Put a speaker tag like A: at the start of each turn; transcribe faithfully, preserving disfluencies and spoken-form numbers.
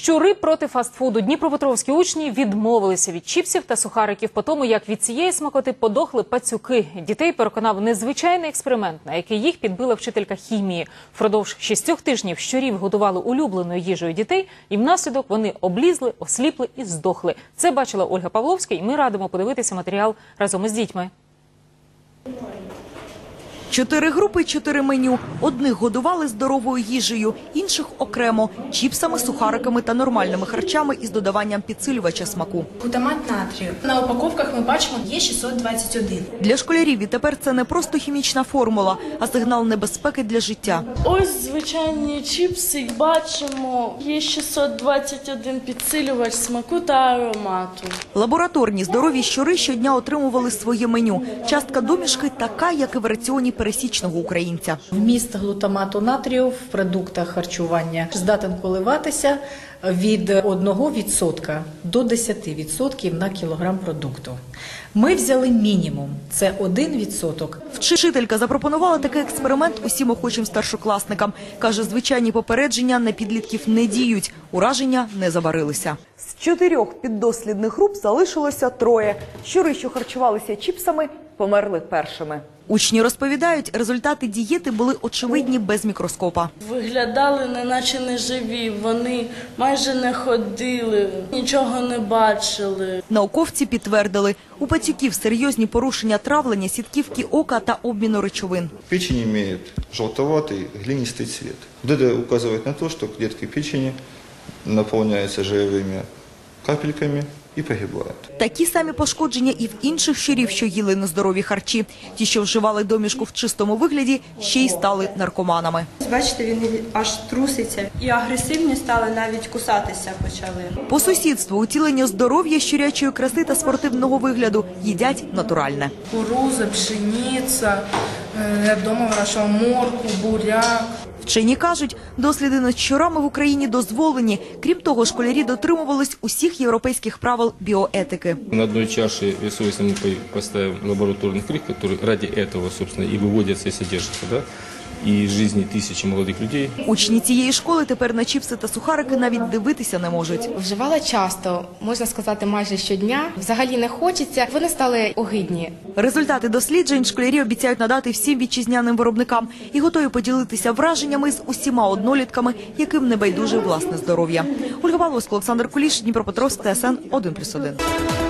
A: Щури проти фастфуду. Дніпропетровські учні відмовилися від чіпсів та сухариків по тому, як від цієї смакоти подохли пацюки. Дітей переконав незвичайний експеримент, на який їх підбила вчителька хімії. Впродовж шістьох тижнів щурів годували улюбленою їжею дітей, і внаслідок вони облізли, осліпли і здохли. Це бачила Ольга Павловська, і ми радимо подивитися матеріал разом із дітьми.
B: Чотири групи, чотири меню. Одних годували здоровою їжею, інших окремо – чіпсами, сухариками та нормальними харчами із додаванням підсилювача смаку.
C: Глутамат натрію. На упаковках ми бачимо Е шістсот двадцять один.
B: Для школярів відтепер це не просто хімічна формула, а сигнал небезпеки для життя.
D: Ось звичайні чіпси, бачимо Е шістсот двадцять один підсилювач смаку та аромату.
B: Лабораторні здорові щури щодня отримували своє меню. Частка домішки така, як і в раціоні пересічного українця.
C: Вміст глутамату натрію в продуктах харчування здатен коливатися від одного відсотка до десяти відсотків на кілограм продукту. Ми взяли мінімум – це один відсоток.
B: Вчителька запропонувала такий експеримент усім охочим старшокласникам. Каже, звичайні попередження на підлітків не діють, ураження не заварилися. З чотирьох піддослідних груп залишилося троє. Щури, що харчувалися чіпсами, померли першими. Учні розповідають, результати дієти були очевидні без мікроскопа.
D: Виглядали неначе неживі, вони майже не ходили, нічого не бачили.
B: Науковці підтвердили, у пацюків серйозні порушення травлення, сітківки ока та обміну речовин.
E: Печень имеет желтоватый глинистый цвет. Вот это указывает на то, что клетки печени наполняются жировыми капельками і погибають.
B: Такі самі пошкодження і в інших щурів, що їли нездорові харчі. Ті, що вживали домішку в чистому вигляді, ще й стали наркоманами.
F: Бачите, він аж труситься. І агресивні стали, навіть кусатися почали.
B: По сусідству утілення здоров'я, щурячої краси та спортивного вигляду їдять натуральне.
D: Кукуруза, пшениця, я вдома вирощувала моркву, буряк.
B: Вчені кажуть, досліди над щурами в Україні дозволені. Крім того, школярі дотримувались усіх європейських правил біоетики.
G: На одной чаше весу, если мы поставим лабораторный крик, который ради этого, собственно, и выводится, и содержится, да, і жизни тисячі молодих людей.
B: Учні цієї школи тепер на чіпси та сухарики навіть дивитися не можуть.
H: Вживала часто, можна сказати, майже щодня. Взагалі не хочеться, вони стали огидні.
B: Результати досліджень школярі обіцяють надати всім вітчизняним виробникам і готові поділитися враженнями з усіма однолітками, яким не байдуже власне здоров'я. Ольга Павловська, Олександр Куліш, Дніпропетровськ, Т С Н один плюс один.